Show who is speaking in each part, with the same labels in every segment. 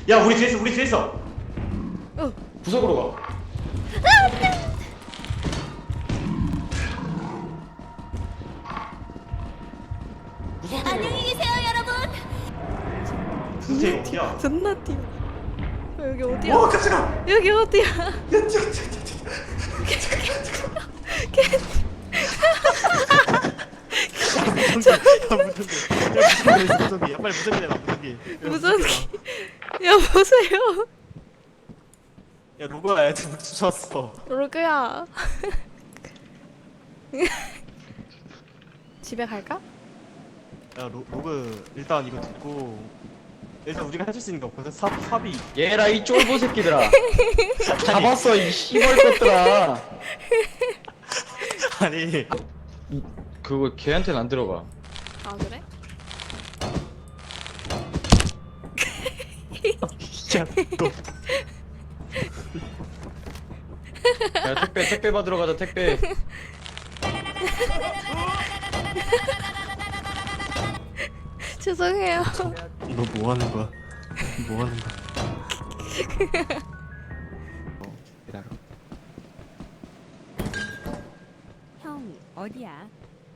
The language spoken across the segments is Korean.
Speaker 1: 야 우리 뒤에 있어 우리 뒤에 있어.
Speaker 2: 구석으로 가.
Speaker 3: 안녕히 계세요, 여러분.
Speaker 1: 진짜 어디야?
Speaker 4: 존나 뛰어. 여기 어디야?
Speaker 1: 와 깜짝아.
Speaker 4: 여기 어디야?
Speaker 1: 야 무전기. 야 빨리 무전기 내놔 무전기.
Speaker 4: 무전기. 야 보세요.
Speaker 1: 야 누구야 애들 주웠어.
Speaker 4: 로그야. 집에 갈까?
Speaker 1: 야 로그 일단 이거 듣고 일단 우리가 해줄 수 있는 게 없거든. 삽이
Speaker 2: 얘라 이 쫄보 새끼들아. 잡았어 이 씨발 것들아.
Speaker 1: 아니
Speaker 2: 그거 걔한테는 안 들어가.
Speaker 4: 아 그래?
Speaker 1: 야너
Speaker 2: 야 택배 받으러 가자 택배.
Speaker 4: 죄송해요.
Speaker 1: 너 뭐 하는 거야? 뭐 하는 거야? 기다려.
Speaker 3: 형, 어디야?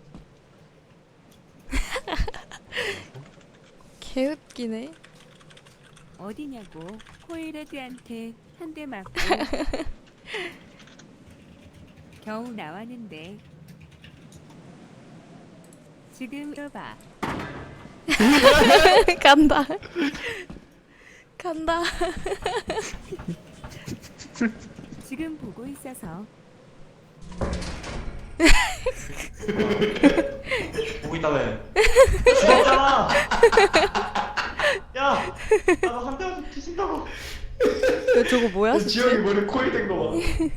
Speaker 4: 개웃기네.
Speaker 3: 어디냐고. 코일헤드한테 한 대 맞고 겨우 나왔는데. 지금 들어봐.
Speaker 4: 간다. 간다.
Speaker 3: 지금 보고 있어서.
Speaker 1: 보고 있다며. 죽었잖아. 야, 나도 한 대만 뒤진다고.
Speaker 4: 야, 저거 뭐야?
Speaker 2: 지영이 머리 코이 된 거 봐.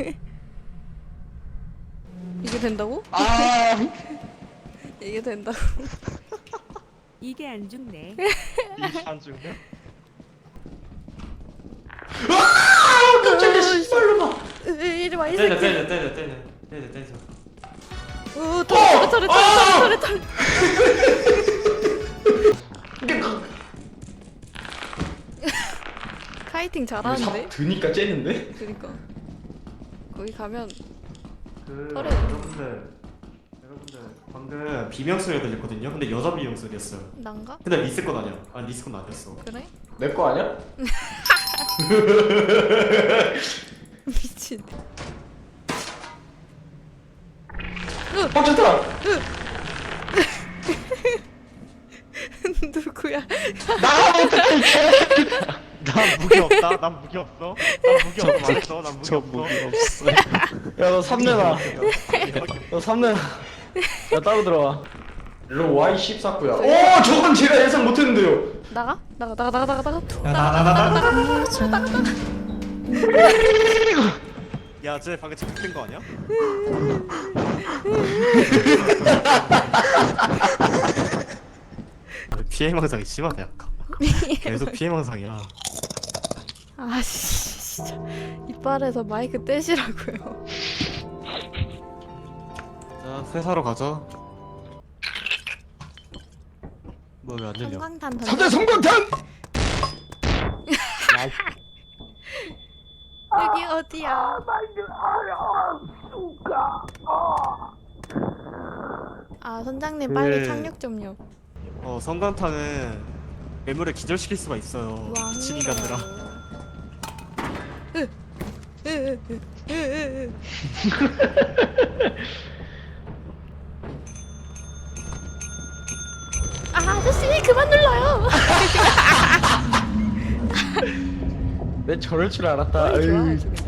Speaker 4: 이게 된다고?
Speaker 2: 아.
Speaker 4: 이게 된다고?
Speaker 3: 이게 안 죽네.
Speaker 1: 이안 죽냐?
Speaker 2: 깜짝이야 씨발로 봐.
Speaker 4: 이리 와, 이
Speaker 1: 때려
Speaker 4: 새끼.
Speaker 1: 때려.
Speaker 4: 오, 털에. 카이팅 잘하는데?
Speaker 2: 드니까 째는데?
Speaker 4: 그니까. 거기 가면
Speaker 1: 여러분들 방금 비명소리가 들렸거든요. 근데 여자 비명소리였어요.
Speaker 4: 난가?
Speaker 1: 근데 리스 건 아니야. 아 리스 건 아니었어.
Speaker 4: 그래?
Speaker 2: 내 거 아니야?
Speaker 4: 미친.
Speaker 2: 좋다.
Speaker 4: 누구야?
Speaker 1: 난 무기 없다. 난 무기 없어. 말했어. 난 무기 없어.
Speaker 2: 야너 3내놔. 너 3내놔. 야 따로 들어와. 일로 와이 14구야. 오 저건 제가 예상 못했는데요.
Speaker 4: 나가? 나가.
Speaker 1: 나나나나. 야, 쟤 방금 잡힌 거 아니야? 피해망상이 심하다 약간. 계속 피해망상이야.
Speaker 4: 아씨, 진짜 이빨에서 마이크 떼시라고요.
Speaker 1: 자, 회사로 가자. 뭐 왜 안 들려?
Speaker 4: 성광탄
Speaker 2: 3대 성광탄.
Speaker 4: 여기 어디야? 아 선장님 빨리 착륙 좀요.
Speaker 1: 성광탄은 괴물을 기절시킬 수가 있어요. 미친 인간들아.
Speaker 4: 아 아저씨 그만 눌러요.
Speaker 2: 내 저럴 줄 알았다.
Speaker 4: 머리 좋아,
Speaker 2: 에이.
Speaker 4: 저게.